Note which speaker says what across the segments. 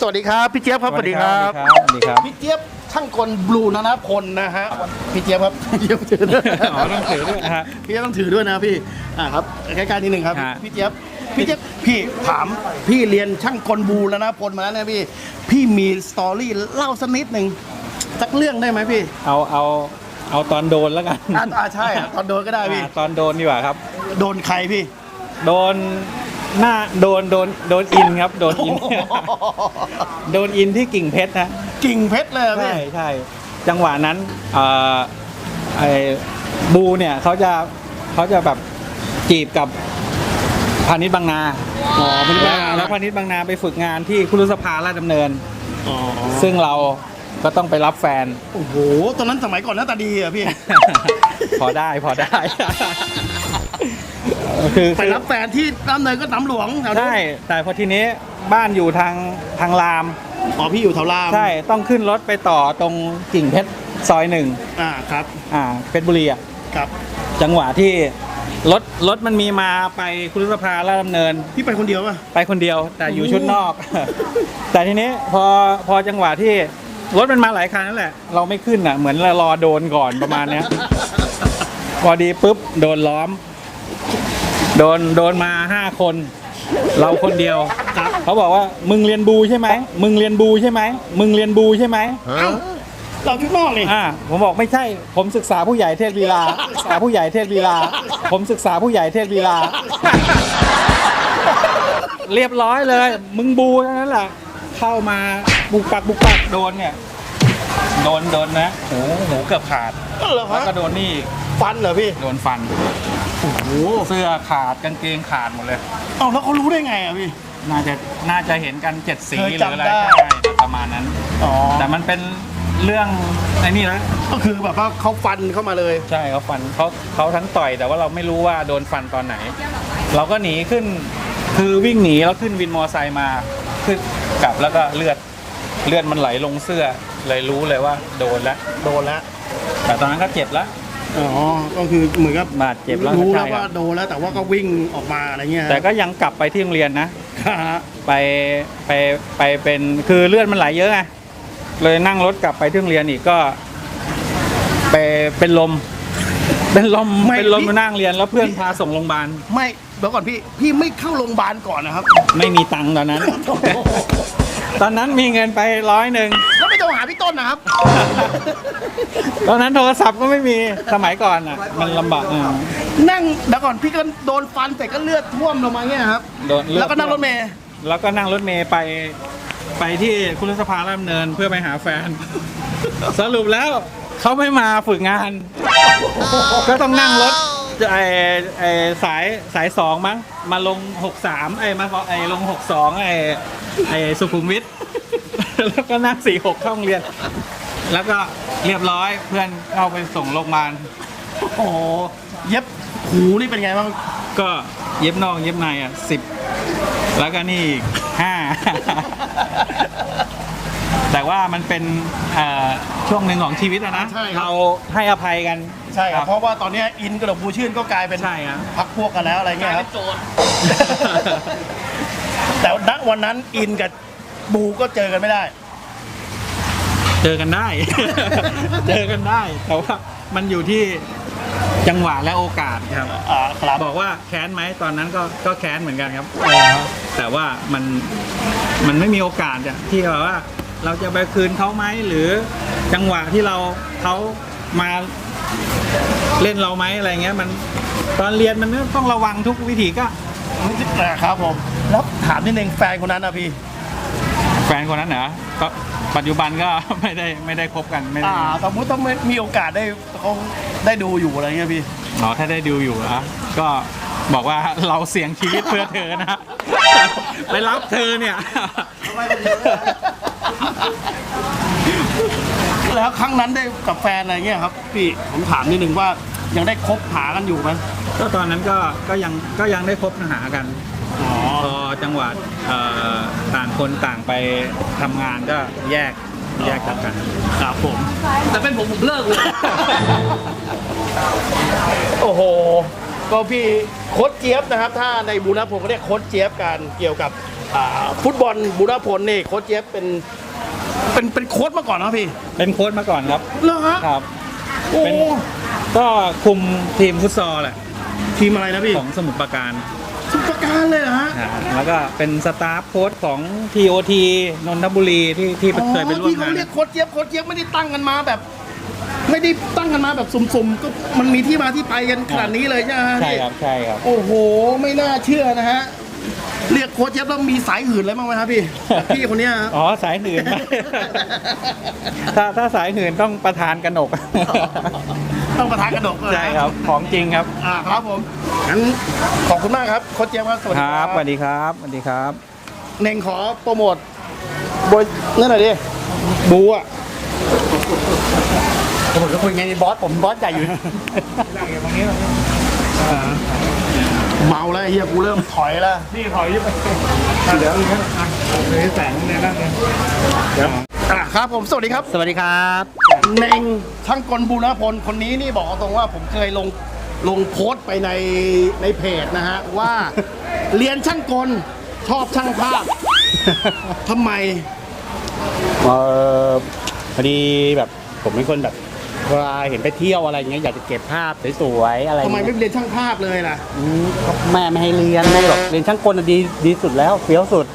Speaker 1: วัสดีครับพี่เจี๊ยบครับสวัสดีครับ
Speaker 2: สวัสดีครับ
Speaker 1: พี่เจี๊ยบช่างกลบลูนนพลนะฮะพี่เจี๊ยบครับพี่เจี๊ยบถือด้วย
Speaker 2: อ๋อต้องถือด้วยนะฮะ
Speaker 1: พี่เจี๊ยบต้องถือด้วยนะพี่ครับใกล้ๆนิดนึงครับพี่เจี๊ยบพี่ถามพี่เรียนช่างกลบลูนนพลมาแล้วนะพี่มีสตอรี่เล่าสักนิดหนึ่งสักเรื่องได้ไหมพี่
Speaker 2: เอาตอนโดนแล้วกัน
Speaker 1: ใช่ตอนโดนก็ได้พี่
Speaker 2: ตอนโดนดีกว่าครับ
Speaker 1: โดนใครพี่
Speaker 2: โดนโดนอินครับโดนอินโดนอินที่กิ่งเพชรนะ
Speaker 1: กิ่งเพชรเลยพี่
Speaker 2: ใช่จังหวะนั้นไอ้บูเนี่ยเขาจะแบบจีบกับพาณิชย์บางนาแล้วพาณิชย์บางนาไปฝึกงานที่คุรุสภาราชดำเนินซึ่งเราก็ต้องไปรับแฟน
Speaker 1: โอ้โหตอนนั้นสมัยก่อนหน้าตาดีอะพี่
Speaker 2: พอได้
Speaker 1: คือไปรับแฟนที่น้ำเนินก็น้ำหลวง
Speaker 2: ใช่แต่พอทีนี้บ้านอยู่ทางราม
Speaker 1: พี่อยู่แถวราม
Speaker 2: ใช่ต้องขึ้นรถไปต่อตรงกิ่งเพชรซอย1
Speaker 1: ครับ
Speaker 2: เพชรบุรีอ่ะ
Speaker 1: ครับ
Speaker 2: จังหวะที่รถมันมีมาไปคุรุสภาราชดำเนิน
Speaker 1: พี่ไปคนเดียวป่ะ
Speaker 2: ไปคนเดียวแต่อยู่ชุดนอก แต่ทีนี้พอจังหวะที่รถมันมาหลายคันนั่นแหละเราไม่ขึ้นอ่ะเหมือนเรารอโดนก่อนประมาณเนี้ย พอดีปุ๊บโดนล้อมโดนมา5 คนเราคนเดียวเขาบอกว่ามึงเรียนบูใช่ไหมมึงเรียนบูใช่ไหมมึงเรียนบูใช่ไหม
Speaker 1: เราชุดนอกเลย
Speaker 2: ผมบอกไม่ใช่ผมศึกษาผู้ใหญ่เทศวีลาศึกษาผู้ใหญ่เทศวีลาผมศึกษาผู้ใหญ่เทศวีลาเรียบร้อยเลยมึงบูเท่านั้นแหละเข้ามาบุกปักโดนเนี่ยโดนนะหูเกือบขาดแล้วก็โดนนี่
Speaker 1: ฟันเหรอพี่
Speaker 2: โดนฟันโอ้โหเสื้อขาดกางเกงขาดหมดเลย
Speaker 1: แล้วเขารู้ได้ไงอ่ะพี่
Speaker 2: น่าจะเห็นกัน7 สีหรืออะไรใช่ประมาณนั้นแต่มันเป็นเรื่องไอ้นี่นะ
Speaker 1: ก็คือแบบว่าเขาฟันเข้ามาเลย
Speaker 2: ใช่เขาฟันเขาทั้งต่อยแต่ว่าเราไม่รู้ว่าโดนฟันตอนไหนเราก็หนีขึ้นคือวิ่งหนีแล้วขึ้นวินมอไซค์มาขึ้นกลับแล้วก็เลือดมันไหลลงเสื้อเลยรู้เลยว่าโดนแล้วแต่ตอนนั้นก็เจ็บแล้ว
Speaker 1: ก็คือเหมือนกับบ
Speaker 2: าดเจ็บแล้ว
Speaker 1: รู้แล้วว่าโดนแล้วแต่ว่าก็วิ่งออกมาอะไรเงี้ย
Speaker 2: แต่ก็ยังกลับไปที่โรงเรียนนะไปเป็นคือเลือดมันไหลเยอะไงเลยนั่งรถกลับไปที่โรงเรียนอีกก็ไปเป็นลมมานั่งเรียนแล้วเพื่อนพาส่งโรงพยาบาล
Speaker 1: ไม่เดี๋ยวก่อนพี่ไม่เข้าโรงพยาบาลก่อนนะครับ
Speaker 2: ไม่มีตังค์ตอนนั้น ตอนนั้นมีเงินไป100
Speaker 1: แล้วไม่โทรหาพี่ต้นนะครับ
Speaker 2: ตอนนั้นโทรศัพท์ก็ไม่มีสมัยก่อนอ่ะมันลำบาก
Speaker 1: นั่งเดี๋ยวก่อนพี่ก็โดนฟันแต่ก็เลือดท่วมลงมาเงี้ยครับแล้วก็นั่งรถเมล์
Speaker 2: ไปที่คุรุสภาราชดำเนินเพื่อไปหาแฟน สรุปแล้วเขาไม่มาฝึกงาน ก็ต้องนั่งรถสาย2มั้งมาลง63มาลง62สุขุมวิท แล้วก็นั่ง46เข้าโรงเรียนแล้วก็เรียบร้อยเพื่อนเข้าไปส่งโรงพยาบาล
Speaker 1: โอ้เย็บหูนี่เป็นไงบ้าง
Speaker 2: ก็เย็บนอกเย็บใน10แล้วก็นี่อีก5 แต่ว่ามันเป็นช่วงหนึ่งของชีวิตนะเราให้อภัยกัน
Speaker 1: ใช่ครับเพราะว่าตอนนี้อินกระดกบูชื่นก็กลายเป็นพักพวกกันแล้วอะไรเงี้ยครับแต่ณวันนั้นอินกับบูก็เจอกันไม่ได้
Speaker 2: เจอกันได้ แต่ว่ามันอยู่ที่จังหวะและโอกาสครับบอกว่าแค้นไหมตอนนั้นก็แค้นเหมือนกันครับแต่ว่ามันไม่มีโอกาสที่แบบว่าเราจะไปคืนเขาไหมหรือจังหวะที่เขามาเล่นเราไหมอะไรเงี้ยมันตอนเรียนมันต้องระวังทุกวิถีก็
Speaker 1: ครับผมแล้วถามนิดนึงแฟนคนนั้นนะพี่
Speaker 2: แฟนคนนั้นเหรอก็ปัจจุบันก็ไม่ได้คบกันไม่
Speaker 1: สมมติต้องมีโอกาสเขาได้ดูอยู่อะไรเงี้ยพี่
Speaker 2: ถ้าได้ดูอยู่นะก็บอกว่าเราเสี่ยงชีวิตเพื่อเธอนะไปรับเธอเนี่ย
Speaker 1: แล้วครั้งนั้นได้กับแฟนอะไรเงี้ยครับพี่ผมถามนิดนึงว่ายังได้คบหากันอยู่ไหม
Speaker 2: ก็ตอนนั้นก็ยังได้คบหากันพอจังหวัดต่างคนต่างไปทำงานก็แยกจากกัน
Speaker 1: ครับผม
Speaker 3: แต่เป็นผมเลิกเลย
Speaker 1: โอ้โหก็พี่โค้ชเจี๊ยบนะครับถ้าในบูรณะผมก็เรียกโค้ชเจี๊ยบกันเกี่ยวกับฟุตบอลบูรพลนี่โค้ชเจี๊ยบเป็นโค้ชมาก่อนนะพี่
Speaker 2: เป็นโค้ชมาก่อนครับ
Speaker 1: เหรอฮะ
Speaker 2: ครับ
Speaker 1: โอ้
Speaker 2: เป็นก็คุมทีมฟุตซอลแหละ
Speaker 1: ทีมอะไรนะพี่
Speaker 2: ของสมุทรปราการ
Speaker 1: สุประการเลยเหรอฮะ
Speaker 2: แล้วก็เป็นสตาฟโค้ชของ TOT นนทบุรีที่เคยไปร่วม
Speaker 1: ที่เขา
Speaker 2: งาน
Speaker 1: เรียกโค้ชเจี๊ยบไม่ได้ตั้งกันมาแบบ ไม่ได้ตั้งกันมาแบบสุ่มๆก็มันมีที่มาที่ไปกันขนาดนี้เลยใช่ไหมฮะ
Speaker 2: ใช่ครับใช่ครับ
Speaker 1: โอ้โหไม่น่าเชื่อนะฮะเรียกโค้ชเจี๊ยบแล้วมีสายหื่นอะไรบ้างไหมครับพี่แบบพี่คนเนี้ยฮะ
Speaker 2: อ๋อสายหื่น ถ้าสายหื่นต้องประธานกนก
Speaker 1: ต้องประทานกระดกเลยนะ
Speaker 2: ใช่ครับของจริงครับ
Speaker 1: ครับผมงั้นขอบคุณมากครับโค้ชเจี๊ยบครับสวัส
Speaker 2: ค
Speaker 1: ดี
Speaker 2: รับสวัสดีครับสวัสดีครับ
Speaker 1: เน่งขอโปรโมทบอยนั่นหน่อยดิบูอ่ะ
Speaker 3: ผมจะคุยไงบอสผมบอสใหญ่อยู่
Speaker 1: เมาแล้วไอ้เฮียกูเริ่มถอยแล้ว
Speaker 3: นี่ถอยยึดไปเดี๋ยวเลยแสงเนี่ยนั่นเนี่ย
Speaker 1: ครับผมสวัสดีครับ
Speaker 3: สวัสดีครับ
Speaker 1: เน่งช่างกลบูรพลคนนี้นี่บอกตรงว่าผมเคยลงโพสต์ไปในเพจนะฮะว่า เรียนช่างกลชอบช่างภาพทำไม
Speaker 3: พอดีแบบผมเป็นคนแบบเวลาเห็นไปเที่ยวอะไรอย่างเงี้ยอยากจะเก็บภาพสวยๆอะไร
Speaker 1: ทำไมไม่
Speaker 3: เงี้ย
Speaker 1: เรียนช่างภาพเลยล่ะ
Speaker 3: แม่ไม่ให้เรียนไม่หรอกเรียนช่างกลน่ะดีสุดแล้วเฟี้ยวสุด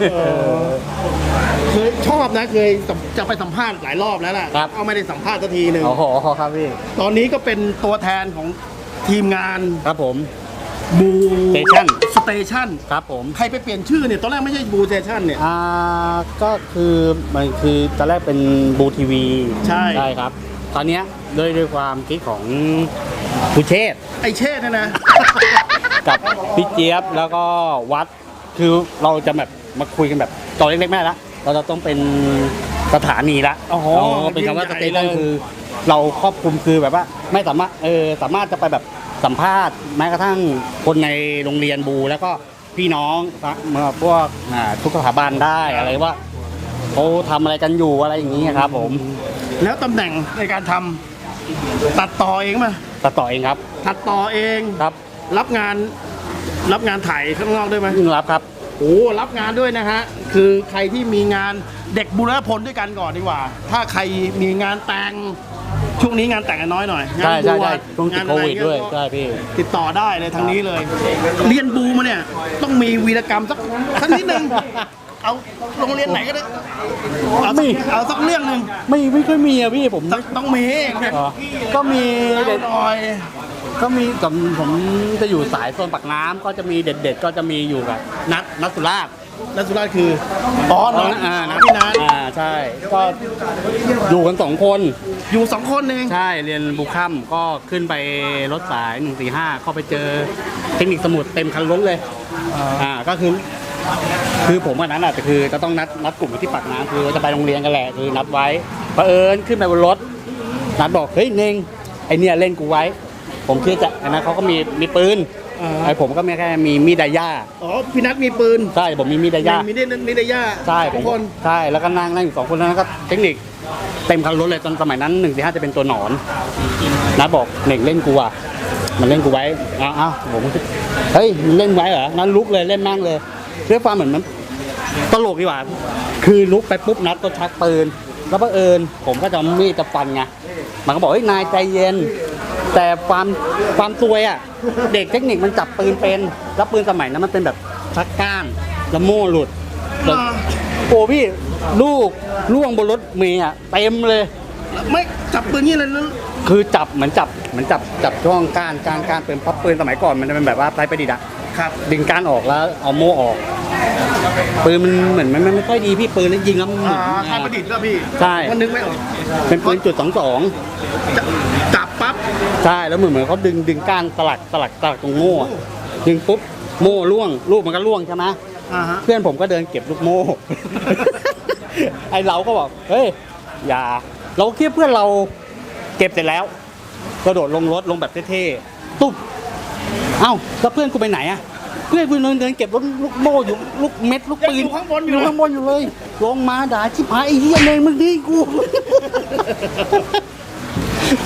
Speaker 1: เคยชอบนะเคยจะไปสัมภาษณ์หลายรอบแล้วล่ะ
Speaker 3: ครับ
Speaker 1: เอาไม่ได้สัมภาษณ์สักทีหนึ่ง
Speaker 3: โอ้โหครับพี่
Speaker 1: ตอนนี้ก็เป็นตัวแทนของทีมงาน
Speaker 3: ครับผม
Speaker 1: บู
Speaker 3: Station
Speaker 1: สเตชัน
Speaker 3: ครับผม
Speaker 1: ใครไปเปลี่ยนชื่อเนี่ยตอนแรกไม่ใช่บูสเตชันเนี่ย
Speaker 3: ก็คือมันคือตอนแรกเป็นบูทีวี
Speaker 1: ใช่
Speaker 3: ครับ ตอนเนี้ยด้วยความคิดของผู้เชษฐ์
Speaker 1: ไอเช่เนี่ยนะ
Speaker 3: กับพี่เจี๊ยบแล้วก็วัดคือเราจะแบบมาคุยกันแบบตอนเล็กๆไม่ได้ละเราจะต้องเป็นสถานีละ
Speaker 1: อ๋อ
Speaker 3: เป็นคำว่าส
Speaker 1: ยิ่งใหญ่
Speaker 3: เตชัน
Speaker 1: เลย
Speaker 3: คือ เราครอบคลุมคือแบบว่าไม่สามารถสามารถจะไปแบบสัมภาษณ์แม้กระทั่งคนในโรงเรียนบูแล้วก็พี่น้องพวกทุกสถาบันได้อะไรว่าเขาทำอะไรกันอยู่อะไรอย่างนี้ครับผม
Speaker 1: แล้วตำแหน่งในการทำตัดต่อเองป่ะ
Speaker 3: ตัดต่อเองครับ
Speaker 1: ตัดต่อเอง
Speaker 3: ครับ
Speaker 1: รับงานถ่ายข้างนอกด้วยไหม
Speaker 3: รับครับ
Speaker 1: โอ้รับงานด้วยนะฮะคือใครที่มีงานเด็กบุรพลด้วยกันก่อนดีกว่า ถ้าใครมีงานแต่งช่วงนี้งานแต่งกันน้อยหน่อยงาน
Speaker 3: ใช่ใช่
Speaker 1: บว
Speaker 3: ใช่
Speaker 1: ช
Speaker 3: ช่วงติด
Speaker 1: งาน
Speaker 3: โค
Speaker 1: อะไร
Speaker 3: วิดด้วย
Speaker 1: เงี้
Speaker 3: ใช่พี่
Speaker 1: ติดต่อได้เลยทางนี้เลย เรียนบูมาเนี่ยต้องมีวีรกรรมสักนิดนึงเอาโรงเรียนไหนก็ได้เอาสักเรื่องหนึ่ง
Speaker 3: ไม่ค่อยมีอะพี่ผม
Speaker 1: ต้องมี
Speaker 3: อ๋อก็มี
Speaker 1: เล่า
Speaker 3: เด็ด
Speaker 1: หน่อย
Speaker 3: ก็มีแต่ผมจะอยู่สายโซนปากน้ำก็จะมีเด็ดๆก็จะมีอยู่กับนัทสุราษฎร์
Speaker 1: นัทสุราษฎร์คืออ๋อน้อง
Speaker 3: นัท
Speaker 1: พี่นัท
Speaker 3: ใช่ก็อยู่กัน2 คน
Speaker 1: อยู่2 คนเอง
Speaker 3: ใช่เรียนบุค่ำก็ขึ้นไปรถสาย145เข้าไปเจอเทคนิคสมุดเต็มคันรถเลยก็คือผมวันนั้นคือจะต้องนัดกลุ่มอยู่ที่ปากน้ำคือจะไปโรงเรียนกันแหละคือนัดไว้เผอิญขึ้นไปบนรถนัดบอกเฮ้ยเน่งไอเนี่ยเล่นกูไว้ ผมคิดจะอันนั้นเขาก็มีปืนไอผมก็แค่มีมีดดายา
Speaker 1: อ๋อพี่นัทมีปืน
Speaker 3: ใช่ผมมีมีดดายา
Speaker 1: มีนิดย่า
Speaker 3: ใช่ผ
Speaker 1: ทุ
Speaker 3: ม
Speaker 1: กคน
Speaker 3: ใช่แล้วก็นั่งอยู่2 คนแล้วก็เทคนิคเต็มคันรถเลยตอนสมัยนั้น145จะเป็นตัวหนอนนัดบอกเน่งเล่นกูอ่ะมันเล่นกูไว้อ้าวผมคิดเฮ้ยมันเล่นไว้เหรอนั้นลุกเลยเล่นแม่งเลยเรื่องความเหมือนมันตลกดีกว่าคือลุกไปปุ๊บนัดก็ชักปืนแล้วบังเอิญผมก็จะเอามีดจะฟันไงมันก็บอกเฮ้ยนายใจเย็นแต่ความซวยอ่ะเด็กเทคนิคมันจับปืนเป็นแล้วปืนสมัยนั้นมันเป็นแบบชักก้านแล้วโม่หลุดโอ้พี่ลูกล่วงบนรถเมย์อ่ะเต็มเลย
Speaker 1: ไม่จับปืนนี่เลยนะ
Speaker 3: คือจับเหมือนจับช่วงก้านปืนพับปืนสมัยก่อนมันจะเป็นแบบว่าไร้ประดิษฐ์อะ
Speaker 1: ครับ
Speaker 3: ดึงก้านออกแล้วเอาโม่ออกปืนมันเหมือนมันไม่ค่อยดีพี่ปืนแล้วยิงแล้วมันหมุน
Speaker 1: ไทยประดิษฐ์ก็พี่
Speaker 3: ใช่
Speaker 1: ก็นึกไม่ออก
Speaker 3: เป็นปืนจุด22
Speaker 1: จับปั๊บ
Speaker 3: ใช่แล้วเหมือนเขาดึงก้านสลักตรงโม่อะดึงปุ๊บโม่ล่วงลูกมันก็ล่วงใช่ไหม
Speaker 1: ฮะ
Speaker 3: เพื่อนผมก็เดินเก็บลูกโม่ ไอเราก็บอกเฮ้ยอย่าเราคิดเพื่อนเราเก็บเสร็จแล้วกระโดดลงรถลงแบบเท่ๆตุ๊บเอ้าแล้วเพื่อนกูไปไหนอะเพื่อนกูเดินเก็บรถลูกโม่อยู่ลูกเม็ดลูกปืน
Speaker 1: อยู่ข้างบนอ
Speaker 3: อยู่ ยู่ข้างบนอยู่เลยลงมาด่าชิบหายไอ้เหี้ยเนงมึงดีกู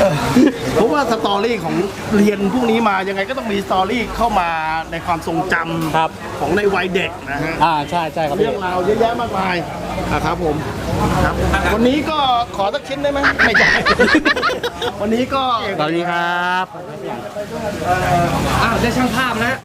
Speaker 1: เพราะว่าสตอรี่ของเรียนพวกนี้มายังไงก็ต้องมีสตอรี่เข้ามาในความทรงจำ
Speaker 3: ครับ
Speaker 1: ของในวัยเด็กนะฮะ
Speaker 3: ใช่ใช่ครับ
Speaker 1: เรื่
Speaker 3: พี่
Speaker 1: องราวเยอะแยะมากมายนะครับผมครับวันนี้ก็ขอสักชิ้นได้ไหมไม่ใช่ วันนี้ก็
Speaker 3: สวัสดีครับ
Speaker 4: อ้าวได้ช่างภาพแล้ว